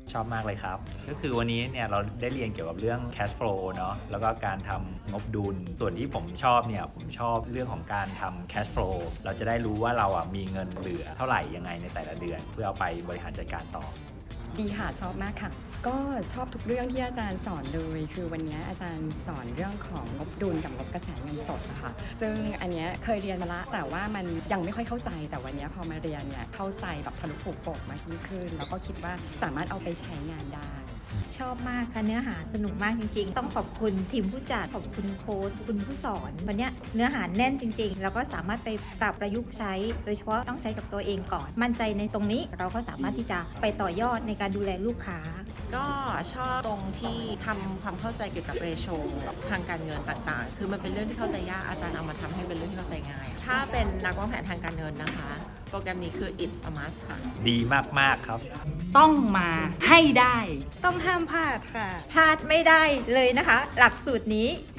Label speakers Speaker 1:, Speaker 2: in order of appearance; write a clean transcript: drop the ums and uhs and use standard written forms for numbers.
Speaker 1: ชอบมากเลยครับ ก็คือวันนี้เนี่ยเราได้เรียนเกี่ยวกับเรื่อง cash flow เนาะแล้วก็การทำงบดุลส่วนที่ผมชอบเนี่ยผมชอบเรื่องของการทำ cash flow เราจะได้รู้ว่าเรามีเงินเหลือเท่าไหร่ยังไงในแต่ละเดือน เพื่อเอาไปบริหารจัดการต่อ
Speaker 2: ดีค่ะชอบมากค่ะ ก็ชอบทุกเรื่องที่อาจารย์สอนเลยคือวันนี้อาจารย์สอนเรื่องของงบดุลกับงบกระแสเงินสดนะคะซึ่งอันนี้เคยเรียนมาละแต่ว่ามันยังไม่ค่อยเข้าใจแต่วันนี้พอมาเรียนเนี่ยเข้าใจแบบทะลุปลุกโปกมากยิ่งขึ้นแล้วก็คิดว่าสามารถเอาไปใช้งานได้
Speaker 3: ชอบมากค่ะเนื้อหาสนุกมากจริงๆต้องขอบคุณทีมผู้จัดขอบคุณโค้ชคุณผู้สอนวันนี้เนื้อหาแน่นจริงๆแล้วก็สามารถไปปรับประยุกต์ใช้โดยเฉพาะต้องใช้กับตัวเองก่อน มั่นใจในตรงนี้เราก็สามารถที่จะไปต่อยอดในการดูแลลูกค้า
Speaker 4: ก็ชอบตรงที่ทำความเข้าใจเกี่ยวกับเรโชทางการเงินต่างๆ คือมันเป็นเรื่องที่เข้าใจยากอาจารย์เอามาทำให้เป็นเรื่องที่เข้าใจง่าย ถ้าเป็นนักวางแผนทางการเงินนะคะ โปรแกรมนี้คือ it's a must ค่ะ
Speaker 1: ดีมากๆครับ
Speaker 5: ต้องมาให้ได้ ต้องห้ามพลาดค่ะ
Speaker 3: พลาดไม่ได้เลยนะคะ หลักสูตรนี้